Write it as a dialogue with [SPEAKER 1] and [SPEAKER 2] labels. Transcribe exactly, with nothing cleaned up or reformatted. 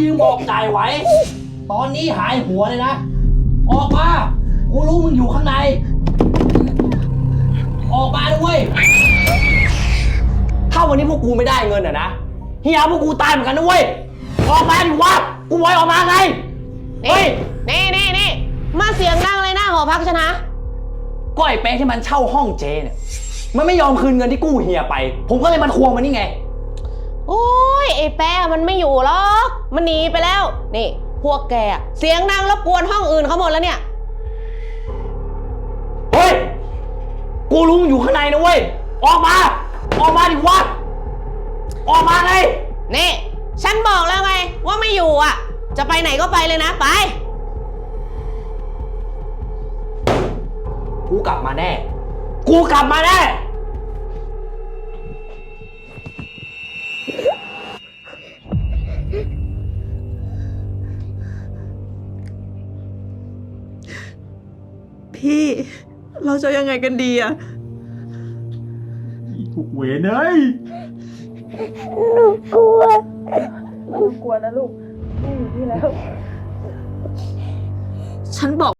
[SPEAKER 1] ยืมบอกจ่ายไหวตอนนี้หายหัวเลยนะออกมากูรู้มึงอยู่ข้างในออกมาด้วยถ้าวันนี้พวกกูไม่ได้เงินอ่ะนะเฮียพวกกูตายเหมือนกันนะเว้ยออกมาดิวะกูไว้ออกมาไงเฮ้ย
[SPEAKER 2] นี่นี่นี่มาเสียงดังเลยหน้าหอพักฉันนะ
[SPEAKER 1] ก็ไอ้เป๊ะที่มันเช่าห้องเจเนี่ยมันไม่ยอมคืนเงินที่กู้เฮียไปผมก็เลยมันทวงมันนี่ไง
[SPEAKER 2] โอ้ยไอ้แป๊ะมันไม่อยู่หรอกมันหนีไปแล้วนี่พวกแกเสียงดังรบกวนห้องอื่นเขาหมดแล้วเนี่ย
[SPEAKER 1] เฮ้ยกูรู้มึงอยู่ข้างในนะเว้ยออกมาออกมาดิวะออกมาไง
[SPEAKER 2] นี่ฉันบอกแล้วไงว่าไม่อยู่อ่ะจะไปไหนก็ไปเลยนะไป
[SPEAKER 1] กูกลับมาแน่กูกลับมาแน่
[SPEAKER 3] พี่เราจะยังไงกันดีอะ
[SPEAKER 4] ถูกเวรเลย
[SPEAKER 5] หนูกลัวหนูกลัวนะลูกไม่อยู่ที่แล้ว
[SPEAKER 3] ฉันบอก